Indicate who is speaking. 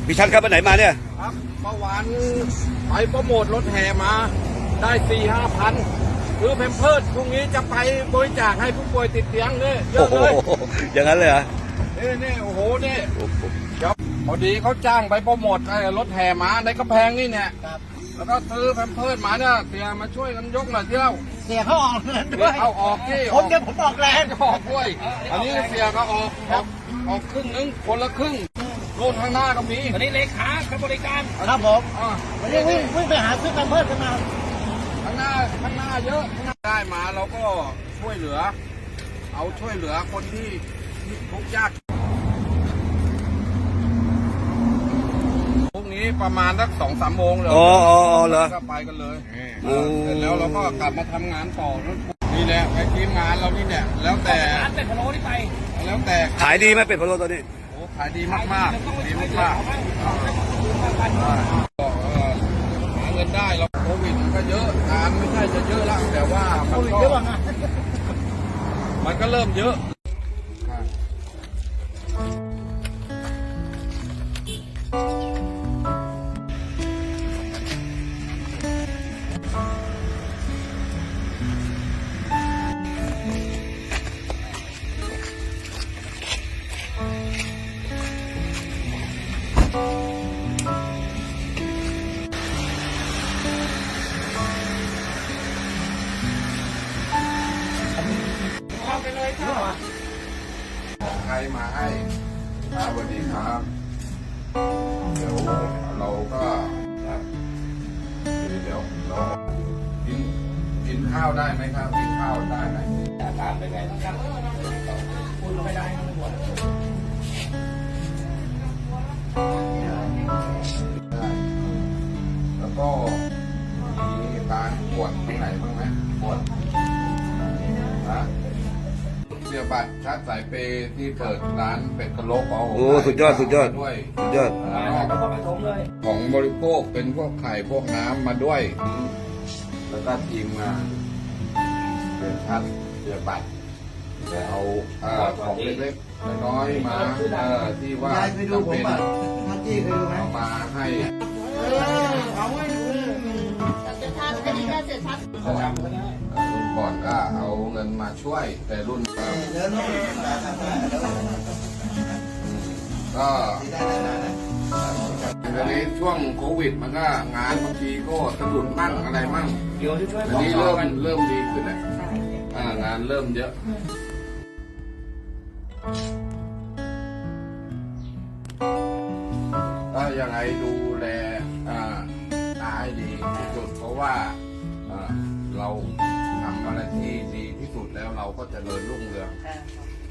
Speaker 1: พี่ชัดครับไปไหนมาเนี่ย
Speaker 2: ครับเมื่อวานไปโปรโมทรถแห่มาได้4-5 พันคือแพมเพิร์สพรุ่งนี้จะไปบริจาคให้ผู้ป่วยติดเตียงเนี่ยเยอะเลย
Speaker 1: อย่างนั้นเลยเหรอ
Speaker 2: นี่โอ้โหนี่เดี๋ยวพอดีเขาจ้างไปโปรโมทรถแห่มาในกระแพงนี่เนี่ยแล้วก็ซื้อแพมเพิร์สมาเนี่ยเสียมาช่วยกันยกหน่อยเที่ยว
Speaker 3: เสียเขาออกเงินด้วย
Speaker 2: เอาออกที่
Speaker 3: ผมจะผมออกแรง
Speaker 2: ออกด้วยอันนี้เสียก็ออกครึ่งนึงคนละครึ่งโน่นข้างหน้าก็มี
Speaker 3: อันนี้เลขาบริการครับผมวันนี้วิ่งไปหาซื้อแพมเพิร์สกันมา
Speaker 2: ข้างหน้าเยอะได้มาเราก็ช่วยเหลือช่วยเหลือคนที่ทุกข์ยากพรุ่งนี้ประมาณสัก2-3 โมงเลย
Speaker 1: เหรอ
Speaker 2: ก็ไปกันเลยเสร็จแล้วเราก็กลับมาทำงานต่อนี่แหละไปทีมงานเรานี่เนี่ยแล้วแต่
Speaker 3: เป็ดพะโล้ที่ไป
Speaker 2: แล้วแต่
Speaker 1: ขายดีไหมเป็ดพะโล้ตอนนี้
Speaker 2: โอ้ขายดีมากดีมากหาเงินได้เราโควิดมันก็เยอะงานไม่ใช่จะเยอะแล้วแต่ว่ามันก็เริ่มเยอะใครมาให้สวัสดีครับเดี๋ยวเราก็เรากินข้าวได้ไหมครับกินข้าวได้ไหม
Speaker 3: อาการเป็นไงบ้างครับพูดไม่ได้ไม่หมด
Speaker 2: แล้วก็มีการปวดตรงไหนบ้างไหมปวดนะเสียบัตรชาร์จสายเปย์ที่เปิดร้านเป็ดกะโหลกของผม
Speaker 1: สุดยอด
Speaker 2: ด้วย
Speaker 3: ข
Speaker 2: องบริโภคเป็นพวกไข่พวกน้ำมาด้วยแล้วก็ทีมงานเป็นชาร์จเสียบัตรเอาของเล็กๆน้อยๆมาที่ว่า
Speaker 3: ไปดูผมอ่ะท่านที่เคยดูไหม
Speaker 2: เอามาให้รุ่นก่อนก็เอาเงินมาช่วยแต่รุ่นก็ตอนนี้ช่วงโควิดมันก็งานบางทีก็สะดุดมั่งอะไรมั่งอันนี้เริ่มดีขึ้นแล้วงานเริ่มเยอะก็ยังไงดูแลตาให้ดีที่สุดเพราะว่าเราทำอะไรที่ดีที่สุดแล้วเราก็จะเจริญรุ่งเรือง